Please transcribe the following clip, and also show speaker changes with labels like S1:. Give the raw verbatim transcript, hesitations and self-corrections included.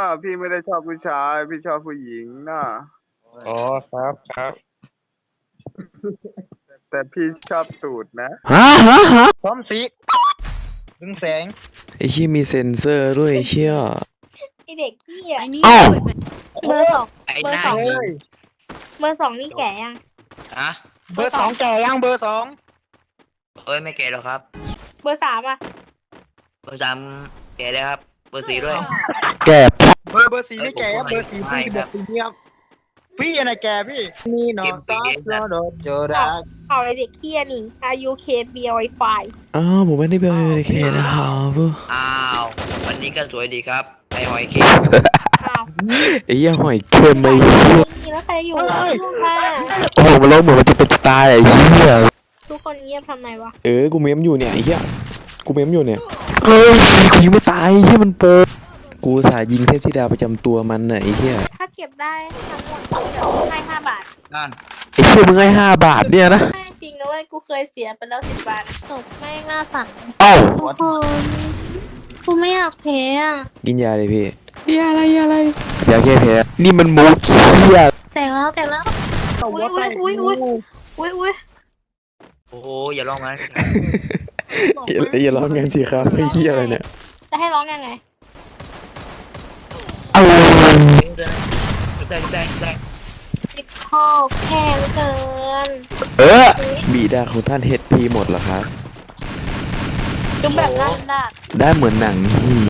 S1: พี่ไม่ได้ชอบผู้ชายพี่ชอบผู้หญิงนะ
S2: อ๋อครับครับ
S1: แต่พี่ชอบตูดนะ
S3: ฮะฮะฮะ
S2: พร้อมสีดึงแสง
S3: ไอ้เชี่ยมีเซ็นเซอร์ด้วยไอ้เชี่ย
S4: ไอเด็กเหี้ย
S3: เอ้า
S4: เบอร์สอง
S5: ไอ้
S4: เบอ
S5: ห
S4: ร์
S5: น้า
S4: สอง
S5: ยิง
S4: เบอร์สองนี่แก่ยัง
S5: อะ
S2: เบอร์สองแก่ยังเบอร์สอง
S5: เอ้ยไม่แก่หรอกครับ
S4: เบอร์สามอ่ะ
S5: เบอร์สามแก่เลยครับ เบอร์สี่ด้วย
S3: แก
S2: เบอร์เบอร์สี่ไม่แก่ครับเบอร์สี่พี่เด็กปีนี้ครับพี่อะไรแก่พี่นี่นอนตาโดนโจดา
S4: เอาไอเด็กเหี้ยนี่อายุเคเบียไวไฟ
S3: อ้าวผมไม่ได้เป็นเคนะครับ
S5: อ้าววันนี้ก็สวยดีครับไอหอยเค
S4: อ้าว
S3: ไอ้เหี้ยหอยเค็มไอ้เหี้ย
S4: นี่แล้วใครอยู่ลูกค่ะ
S3: โอ้โหมันร้องเหมือนมันจะเป็นตายไอ้เหี้ย
S4: ทุกคนเงียบทำไมวะ
S3: เออกูเมมอยู่เนี่ยไอ้เหี้ยกูเมมอยู่เนี่ยเฮ้ยกูยิงไม่ตายไอ้เหี้ยมันโปกูสายยิงเทพธิดาประจำตัวมันน่ะไอ้เหี้ย
S4: ถ้าเก็บได้ทั้งหมดเดี๋ยวให้ห้าบาท
S5: นั่น
S3: ไอ้เหี้ยมึงให้ห้าบาทเนี่ยนะ
S4: ให้จริงนะเว้ยกูเคยเสียไปแล้วสิบบาทจบแม่งหน้าสั่น
S3: เอ้า
S4: ทุกคนกูไม่อยากแพ้อ่ะ
S3: กินยาเลยพี่
S4: ยาอะไรยาอะไร
S3: ยาแก้แพ้นี่มันมูเคีย
S4: แต่งแล้วแต่งแล้ว อุ้ยอุ้ยอุ้ยอุ้ยอุ้ยอุ้ย
S5: โอ้โหอย่าร้องมัน
S3: อย่าอย่าร้องกันสิครับไอ้เหี้ยอะไรเนี่ย
S4: จะให้ร้องยังไง
S3: เอา
S5: เดินเดินเดินเดิน
S4: ติดคอแพงเกิน
S3: เออบีดาของท่านเฮดพีหมดเหรอครับ
S4: จุ๊บแบบนั้นได้
S3: ได้เหมือนหนัง